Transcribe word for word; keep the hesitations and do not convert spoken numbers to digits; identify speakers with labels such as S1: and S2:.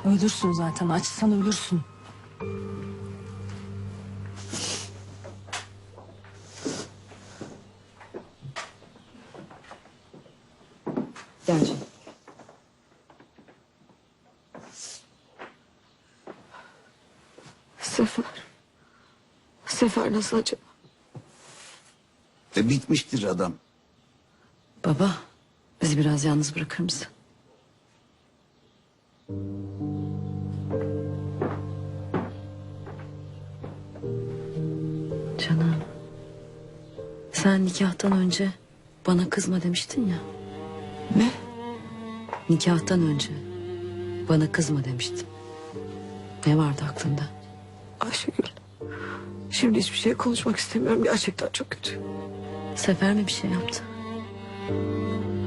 S1: Ölürsün zaten. Açsan ölürsün.
S2: Gel canım.
S3: Sefer. Sefer nasıl acaba?
S4: E bitmiştir adam.
S2: Baba, bizi biraz yalnız bırakır mısın? Canım. Sen nikahtan önce bana kızma demiştin ya.
S3: Ne?
S2: Nikahtan önce bana kızma demiştin. Ne vardı aklında?
S3: Ayşegül. Şimdi hiçbir şey konuşmak istemiyorum. Gerçekten çok kötü.
S2: Sefer mi bir şey yaptı?